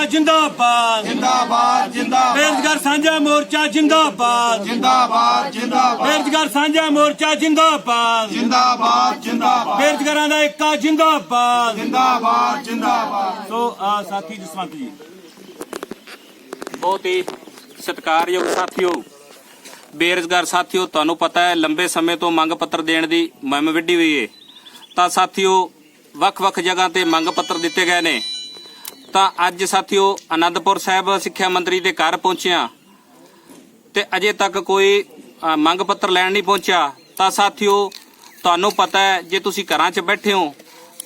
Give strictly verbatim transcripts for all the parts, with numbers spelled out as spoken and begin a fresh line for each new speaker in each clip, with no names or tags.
जिंदाबाद
जिंदाबाद जिंदाबाद
बेरोजगार साझा मोर्चा जिंदाबाद
जिंदाबाद जिंदाबाद
बेरोजगार साझा मोर्चा जिंदाबाद
जिंदाबाद जिंदाबाद
बेरोजगारां दा इक्का जिंदाबाद
जिंदाबाद जिंदाबाद।
सो आ साथी जसवंत जी
बहुत ही सत्कारयोग साथियों, बेरोजगार साथियों, ਤੁਹਾਨੂੰ ਪਤਾ ਹੈ ਲੰਬੇ ਸਮੇਂ ਤੋਂ ਮੰਗ ਪੱਤਰ ਦੇਣ ਦੀ ਮੁਹਿੰਮ ਵਿੱਢੀ ਹੋਈ ਹੈ। ਤਾਂ ਸਾਥੀਓ ਵੱਖ-ਵੱਖ ਜਗ੍ਹਾ ਤੇ ਮੰਗ ਪੱਤਰ ਦਿੱਤੇ ਗਏ ਨੇ। ਤਾਂ ਅੱਜ ਸਾਥੀਓ ਆਨੰਦਪੁਰ ਸਾਹਿਬ ਸਿੱਖਿਆ ਮੰਤਰੀ ਦੇ ਘਰ ਪਹੁੰਚਿਆ ਤੇ ਅਜੇ ਤੱਕ ਕੋਈ ਮੰਗ ਪੱਤਰ ਲੈਣ ਨਹੀਂ ਪਹੁੰਚਿਆ। ਤਾਂ ਸਾਥੀਓ ਤੁਹਾਨੂੰ ਪਤਾ ਹੈ ਜੇ ਤੁਸੀਂ ਘਰਾਂ 'ਚ ਬੈਠੇ ਹੋ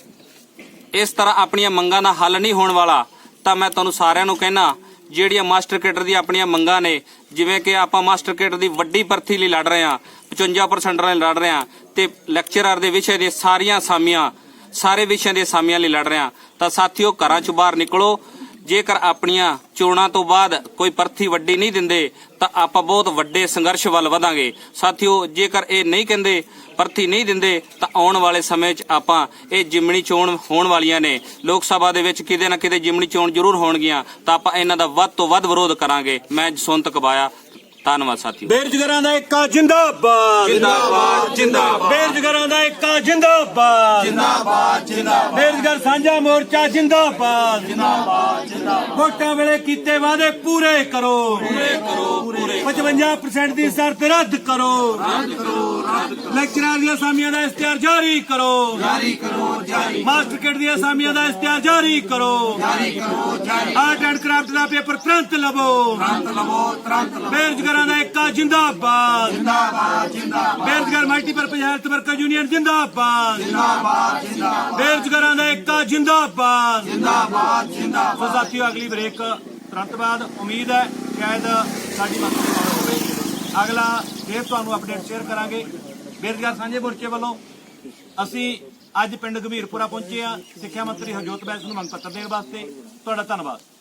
ਇਸ ਤਰ੍ਹਾਂ ਆਪਣੀਆਂ ਮੰਗਾਂ ਦਾ ਹੱਲ ਨਹੀਂ ਹੋਣ ਵਾਲਾ। ਤਾਂ ਮੈਂ ਤੁਹਾਨੂੰ ਸਾਰਿਆਂ ਨੂੰ ਕਹਿਣਾ ਜਿਹੜੀਆਂ ਮਾਸਟਰ ਕੇਡਰ ਦੀ ਆਪਣੀਆਂ ਮੰਗਾਂ ਨੇ, ਜਿਵੇਂ ਕਿ ਆਪਾਂ ਮਾਸਟਰ ਕੇਡਰ ਦੀ ਵੱਡੀ ਭਰਤੀ ਲਈ ਲੜ ਰਹੇ ਹਾਂ, ਪਚਵੰਜਾ ਪਰਸੈਂਟ ਲਈ ਲੜ ਰਹੇ ਹਾਂ ਤੇ ਲੈਕਚਰਰ ਦੇ ਵਿਸ਼ੇ ਦੇ ਸਾਰੀਆਂ ਅਸਾਮੀਆਂ ਸਾਰੇ ਵਿਸ਼ਿਆਂ ਦੇ ਅਸਾਮੀਆਂ ਲਈ ਲੜ ਰਹੇ ਹਾਂ। ਤਾਂ ਸਾਥੀਓ ਘਰਾਂ ਚੋਂ ਬਾਹਰ ਨਿਕਲੋ। ਜੇਕਰ ਆਪਣੀਆਂ ਚੋਣਾਂ ਤੋਂ ਬਾਅਦ ਕੋਈ ਭਰਤੀ ਵੱਡੀ ਨਹੀਂ ਦਿੰਦੇ ਤਾਂ ਆਪਾਂ ਬਹੁਤ ਵੱਡੇ ਸੰਘਰਸ਼ ਵੱਲ ਵਧਾਂਗੇ। ਸਾਥੀਓ ਜੇਕਰ ਇਹ ਨਹੀਂ ਕਹਿੰਦੇ ਭਰਤੀ ਨਹੀਂ ਦਿੰਦੇ ਤਾਂ ਆਉਣ ਵਾਲੇ ਸਮੇਂ 'ਚ ਆਪਾਂ ਇਹ ਜਿਮਣੀ ਚੋਣ ਹੋਣ ਵਾਲੀਆਂ ਨੇ, ਲੋਕ ਸਭਾ ਦੇ ਵਿੱਚ ਕਿਤੇ ਨਾ ਕਿਤੇ ਜਿਮਣੀ ਚੋਣ ਜ਼ਰੂਰ ਹੋਣਗੀਆਂ ਤਾਂ ਆਪਾਂ ਇਹਨਾਂ ਦਾ ਵੱਧ ਤੋਂ ਵੱਧ ਵਿਰੋਧ ਕਰਾਂਗੇ। ਮੈਂ ਜਸਵੰਤ ਕਬਾਇਆ, ਧੰਨਵਾਦ ਸਾਥੀਓ।
बेरोजगारां दा इक्का जिंदाबाद
जिंदाबाद जिंदाबाद
बेरोजगारां दा इक्का जिंदाबाद
जिंदाबाद जिंदाबाद
बेरोजगार साझा मोर्चा जिंदाबाद
जिंदाबाद जिंदाबाद।
वोटां वेले कीते वादे पूरे करो
पूरे करो पूरे
पचवंजा परसेंट दी शर्त रद्द करो
रद्द करो रद्द करो
लेक्चरां दी असामियां दा इश्तिहार जारी करो
जारी करो जारी
मास्टर किट दी असामियां दा इश्तिहार जारी करो
जारी करो जारी।
आर्ट एंड क्राफ्ट दा पेपर तुरंत लवो
तुरंत लवो तुरंत लवो।
बेरोजगारां दा इक्का जिंदाबाद
जिंदाबाद जिंदाबाद
बेरोजगार मल्टीपर्पज हेल्थ वर्कर यूनियन जिंदाबाद
जिंदाबाद जिंदाबाद
बेरोजगारां दा इक्का जिंदाबाद
जिंदाबाद जिंदाबाद।
ਸੋ ਸਾਥੀਓ ਅਗਲੀ ਬ੍ਰੇਕ ਤੁਰੰਤ ਬਾਅਦ ਉਮੀਦ ਹੈ ਸ਼ਾਇਦ ਸਾਡੀ ਮੰਤਰੀ ਨਾਲ ਹੋਵੇ। ਅਗਲਾ ਫਿਰ ਤੁਹਾਨੂੰ ਅਪਡੇਟ ਸ਼ੇਅਰ ਕਰਾਂਗੇ। ਬੇਰੁਜ਼ਗਾਰ ਸਾਂਝੇ ਮੋਰਚੇ ਵੱਲੋਂ ਅਸੀਂ ਅੱਜ ਪਿੰਡ ਗੰਭੀਰਪੁਰਾ ਪਹੁੰਚੇ ਹਾਂ ਸਿੱਖਿਆ ਮੰਤਰੀ ਹਰਜੋਤ ਬੈਂਸ ਨੂੰ ਮੰਗ ਪੱਤਰ ਦੇਣ ਵਾਸਤੇ। ਤੁਹਾਡਾ ਧੰਨਵਾਦ।